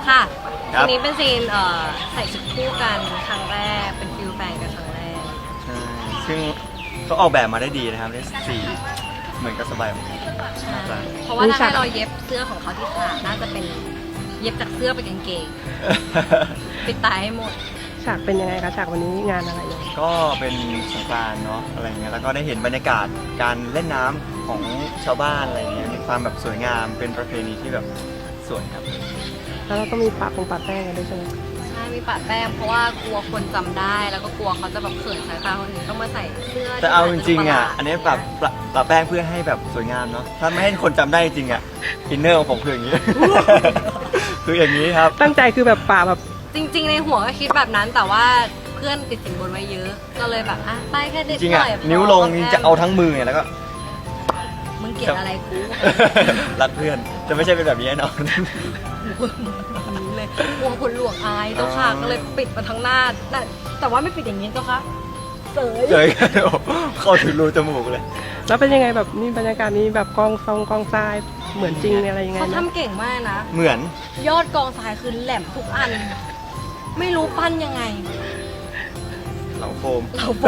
ค่ะทีนี้เป็นซีนใส่ชุดคู่กันครั้งแรกเป็นฟิลแฟนกันครั้งแรกใช่ซึ่งเขาออกแบบมาได้ดีนะครับได้สีเหมือนกับสบายเพราะว่าถ้าให้เราเย็บเสื้อของเขาที่ขาดน่าจะเป็นเย็บจากเสื้อไปกางเกงปิดตายให้หมดฉากเป็นยังไงคะฉากวันนี้งานอะไรเนี่ยก็เป็นสงกรานต์เนาะอะไรเงี้ยแล้วก็ได้เห็นบรรยากาศการเล่นน้ำของชาวบ้านอะไรเงี้ยมีความแบบสวยงามเป็นประเพณีที่แบบสวยครับแล้วเราต้องมีปะแป้งกันด้วยใช่ไหมใช่มีปะแป้งเพราะว่ากลัวคนจำได้แล้วก็กลัวเขาจะแบบเขินสายตาคนอื่นต้องมาใส่เสื้อแต่เอาจริงๆอ่ะอันนี้ปะแป้งเพื่อให้แบบสวยงามเนาะถ้าไม่ให้คนจำได้จริงอ่ะอินเนอร์ของผมคืออย่างนี้ คืออย่างนี้ครับตั้งใจคือแบบปะแบบจริงๆในหัวก็คิดแบบนั้นแต่ว่าเพื่อนติดสินบนไว้เยอะก็เลยแบบอ่ะไปแค่เด็กจริงอ่ะนิ้วลงจะเอาทั้งมือแล้วก็มึงเกลียดอะไรกูรักเพื่อนจะไม่ใช่เป็นแบบนี้แน่นอนเลยกลัวคนหลวงอายเจ้าค่ะก็เลยปิดมาทั้งหน้าแต่ว่าไม่ปิดอย่างนี้เจ้าค่ะเสยเข้าถึงรูจมูกเลยแล้วเป็นยังไงแบบนี่บรรยากาศนี้แบบกองทรายเหมือนจริงอะไรยังไงเขาทำเก่งมากนะเหมือนยอดกองทรายคือแหลมทุกอันไม่รู้ปั้นยังไงเหลาโฟม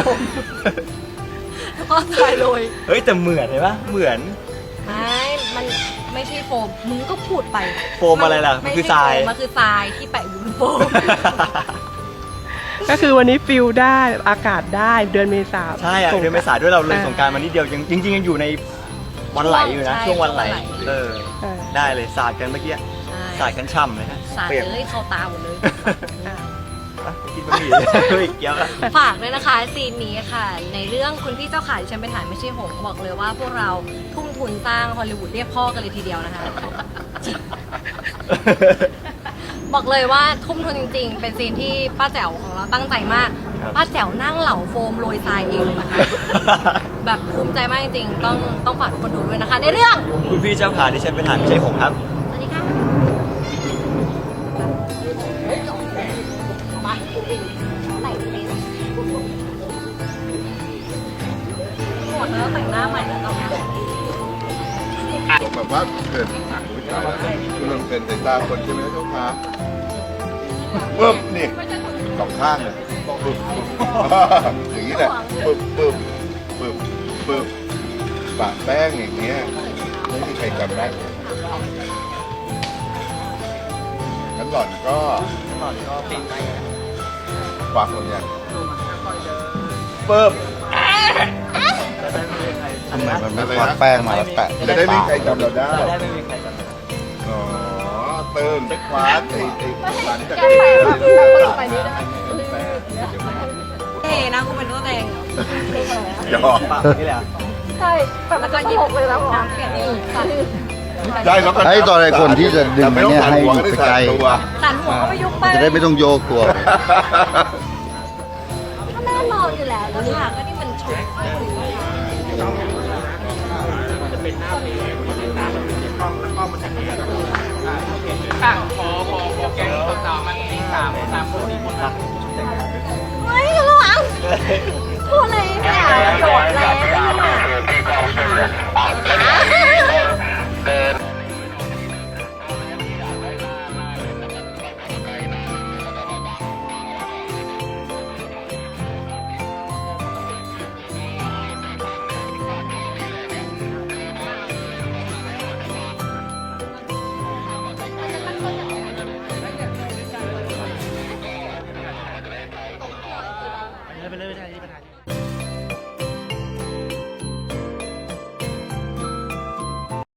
ก็ทรายเลยเฮ้ยแต่เหมือนเลยปะเหมือนมันไม่ใช่โฟมมึงก็พูดไปโฟมอะไรล่ะมันคือทรายมันคือทรายที่แปะอยู่บนโฟมก็คือวันนี้ฟิลได้อากาศได้เดือนเมษาใช่อะเดือนเมษาด้วยเราเลยสงกรานต์มานิดเดียวจริงๆยังอยู่ในวันไหลอยู่นะช่วงวันไหลได้เลยสาดกันเมื่อกี้สาดกันช่ำเลยฮะสาดเลยเข้าตาหมดเลยกินบะหมี่เลยอีกเยอะฝากเลยนะคะซีนนี้ค่ะในเรื่องคุณพี่เจ้าขาที่ฉันไปถ่ายไม่ใช่หงบอกเลยว่าพวกเราทุ่มทุนสร้างฮอลลีวูดเรียกพ่อกันเลยทีเดียวนะคะบอกเลยว่าทุ่มทุนจริงๆเป็นซีนที่ป้าแจ๋วของเราตั้งใจมากป้าแจ๋วนั่งเหลาโฟมโรยทรายเองเลยนะคะแบบภูมิใจมากจริงๆต้องฝากทุกคนดูด้วยนะคะในเรื่องคุณพี่เจ้าขาที่ฉันไปถ่ายไม่ใช่หงครับสวัสดีค่ะหมดแล้วแต่งหน้าใหม่แล้วต้องแบบว่าเกิดคุณลองเกินสายตาคนใช่ไหมเจ้าคะปึ๊บนี่สองข้างเลยปึ๊บอย่างนี้แหละปึ๊บปะแป้งอย่างเงี้ยไม่มีใครจำได้งั้นหล่อนก็ปิดไปฝากคนยังปึ๊บทำไมมันไม่วาดแป้งมาแล้วแปะจะได้ไม่มีใครจำเราได้จะได้ไม่มีใครจำเราอ๋อเติมคว้าไอ้หลังจากไปนี้ได้นะคุณเป็นตัวแดงหยอกปากนี่แหละใช่แล้วก็ยิบเลยแล้วน้ำเปลี่ยนอีกได้แล้วก็ไอ้ตอนไอ้คนที่จะดึงเนี่ยให้อยู่ไกลสั่นหัวก็ไปยุบไปจะได้ไม่ต้องโยกตัวก็แน่นอนอยู่แล้วแล้วค่ะก็นี่มันฉุกจะเป็นหน้าปีแล้วก็มันจะมีพอแกงตัวต่อมันมีสามคน4 คนละเฮ้ยระวังพูดเลยเนี่ยโดดแล้วไปเลย